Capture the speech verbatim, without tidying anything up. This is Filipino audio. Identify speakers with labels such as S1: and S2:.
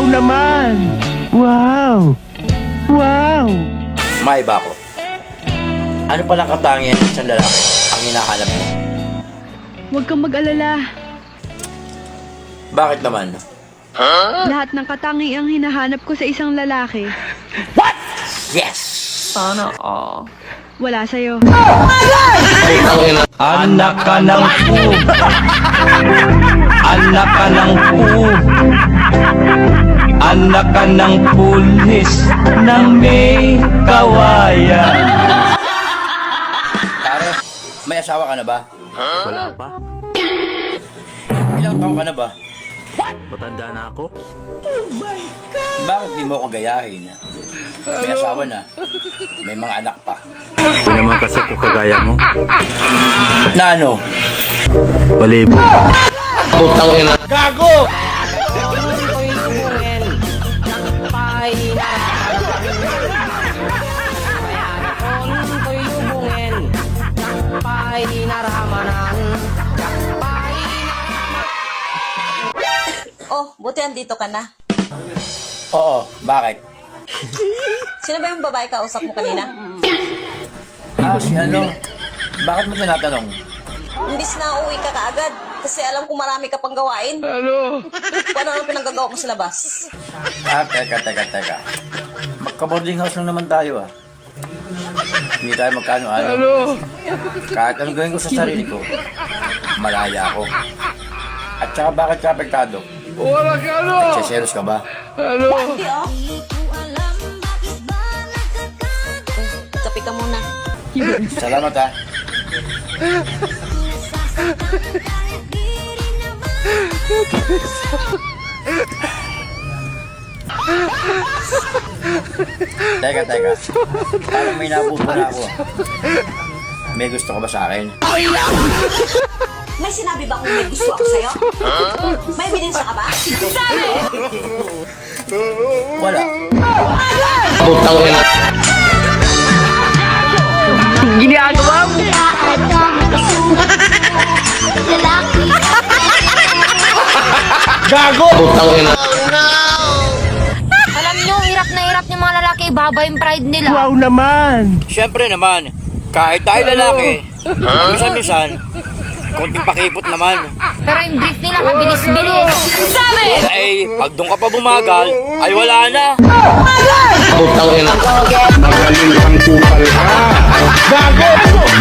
S1: Wow naman! Wow! Wow!
S2: May iba ko. Ano palang katangian ng isang lalaki ang hinahanap mo?
S3: Huwag kang mag-alala.
S2: Bakit naman?
S3: Lahat ng katangiang hinahanap ko sa isang lalaki,
S2: What? Yes!
S4: Sana all.
S3: wala sa'yo.
S1: Anak ka ng pu! Anak ka ng pu! Anak ka ng pulis ng may kawayan.
S2: Pare, may asawa ka na ba?
S4: Wala pa.
S2: Ilang taon ka na ba?
S4: Matanda na ako.
S2: Bakit di mo ako gayahin? May asawa na. May mga anak pa.
S4: Hindi naman kasi ko kagaya mo.
S2: Na ano?
S4: Balibo.
S2: Gago!
S5: Oh, buti andito ka na.
S2: Oo, bakit?
S5: Sino ba yung babae kausap mo kanina?
S2: Ah, si ano? Bakit mo tinatanong?
S5: Imbis na uuwi ka kaagad. Kasi alam ko marami ka pang gawain. Ano? Kung ano ang pinanggagawa mo sa labas.
S2: Ah, teka, teka, teka. Magka-boarding house lang naman tayo ah. Hindi tayo magkano-ano. Ano? Kahit anong gawin ko sa sarili ko, malaya ako. At saka bakit ka apektado?
S1: Wala ka ano!
S2: Nagsiselos ka ba?
S5: Hindi oh. Kapi ka muna.
S2: Salamat ah. Teka, teka. Parang may napupo na ako. May gusto ka ba sa akin?
S5: May sinabi ba kung may gusto ako sa'yo? May ebidensya ka ba?
S2: Wala.
S1: Ginagawa mo! Gago!
S6: Alam nyo, hirap na hirap yung mga lalaki, baba yung pride nila.
S1: Wow naman!
S2: Siyempre naman, kahit tayo lalaki, minsan-minsan, konting pakipot naman.
S6: Pero yung brief nila, kabilis-bilis. Sabi!
S2: Ay, pag doon ka pa bumagal, ay wala na.
S1: Magaling kang kupal ka! Gago!